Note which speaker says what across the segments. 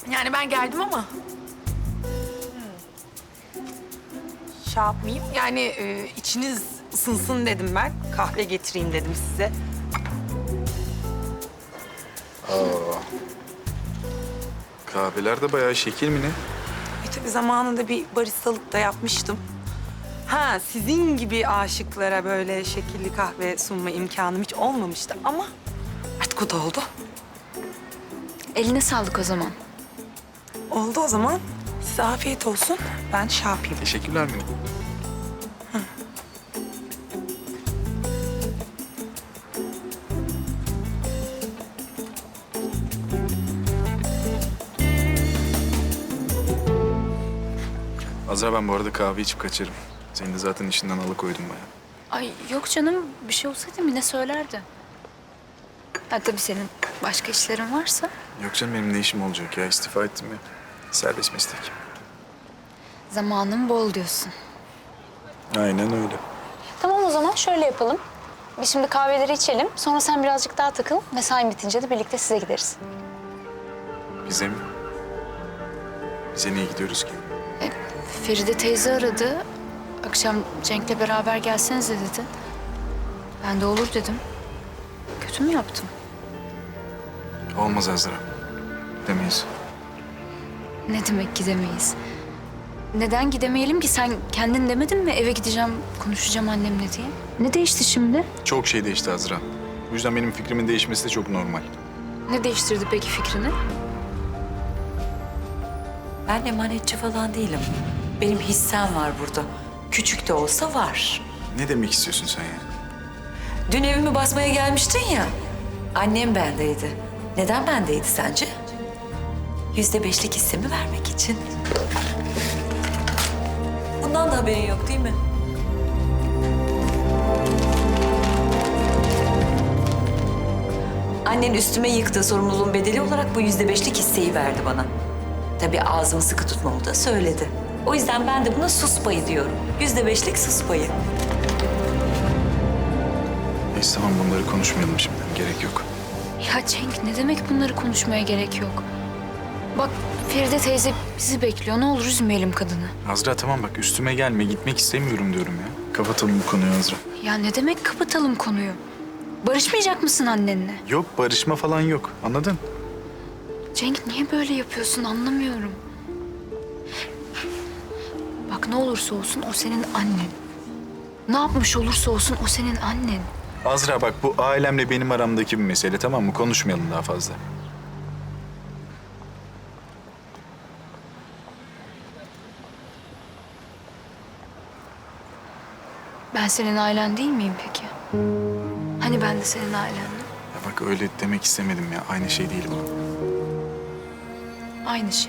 Speaker 1: Yani ben geldim ama... Şey yapmayayım. Yani içiniz ısınsın dedim ben. Kahve getireyim dedim size.
Speaker 2: Kahveler de bayağı şekil mi ne?
Speaker 1: Tabii zamanında bir baristalık da yapmıştım. Ha, sizin gibi aşıklara böyle şekilli kahve sunma imkanım hiç olmamıştı ama artık o da oldu.
Speaker 3: Eline sağlık o zaman.
Speaker 1: Oldu o zaman. Size afiyet olsun. Ben şey yapayım.
Speaker 2: Teşekkürler mi? Azra, ben bu arada kahve içip kaçarım. Seni de zaten işinden alıkoydum bayağı.
Speaker 3: Ay yok canım, bir şey olsaydı yine söylerdi. Ha tabii senin başka işlerin varsa.
Speaker 2: Yok canım, benim ne işim olacak ya? İstifa ettim ya. Serbest meslek.
Speaker 3: Zamanın bol diyorsun.
Speaker 2: Aynen öyle.
Speaker 3: Tamam o zaman şöyle yapalım. Biz şimdi kahveleri içelim. Sonra sen birazcık daha takıl. Mesain bitince de birlikte size gideriz.
Speaker 2: Bize mi? Bize niye gidiyoruz ki?
Speaker 3: Feride teyze aradı. Akşam Cenk'le beraber gelsenize dedi. Ben de olur dedim. Kötü mü yaptım?
Speaker 2: Olmaz Azra. Demeyiz.
Speaker 3: Ne demek gidemeyiz? Neden gidemeyelim ki? Sen kendin demedin mi eve gideceğim, konuşacağım annemle diye? Ne değişti şimdi?
Speaker 2: Çok şey değişti Azra. Bu yüzden benim fikrimin değişmesi de çok normal.
Speaker 3: Ne değiştirdi peki fikrini?
Speaker 4: Ben emanetçi falan değilim. Benim hissem var burada. Küçük de olsa var.
Speaker 2: Ne demek istiyorsun sen ya?
Speaker 4: Dün evimi basmaya gelmiştin ya. Annem bendeydi. Neden bendeydi sence? %5'lik hissemi vermek için. Bundan da haberin yok değil mi? Annen üstüme yıktığı sorumluluğun bedeli olarak bu %5'lik hisseyi verdi bana. Tabii ağzımı sıkı tutmamı da söyledi. O yüzden ben de buna sus payı diyorum. %5'lik sus payı.
Speaker 2: Neyse tamam, bunları konuşmayalım şimdi. Gerek yok.
Speaker 3: Ya Cenk ne demek bunları konuşmaya gerek yok. Bak Feride teyze bizi bekliyor. Ne olur üzmeyelim kadını.
Speaker 2: Azra tamam bak, üstüme gelme. Gitmek istemiyorum diyorum ya. Kapatalım bu konuyu Azra.
Speaker 3: Ya ne demek kapatalım konuyu? Barışmayacak mısın annenle?
Speaker 2: Yok, barışma falan yok. Anladın?
Speaker 3: Cenk niye böyle yapıyorsun anlamıyorum. Bak ne olursa olsun o senin annen. Ne yapmış olursa olsun o senin annen.
Speaker 2: Azra bak, bu ailemle benim aramdaki bir mesele, tamam mı? Konuşmayalım daha fazla.
Speaker 3: Ben senin ailen değil miyim peki? Hani ben de senin ailendim?
Speaker 2: Ya bak, öyle demek istemedim ya. Aynı şey değil bu.
Speaker 3: Aynı şey.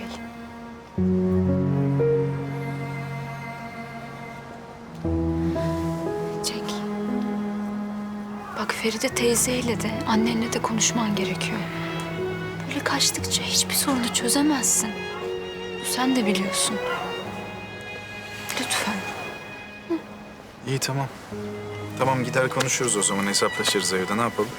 Speaker 3: Cenk. Bak Feride teyzeyle de annenle de konuşman gerekiyor. Böyle kaçtıkça hiçbir sorunu çözemezsin. Sen de biliyorsun. Lütfen.
Speaker 2: İyi tamam. Tamam, gider konuşuruz o zaman. Hesaplaşırız evde. Ne yapalım?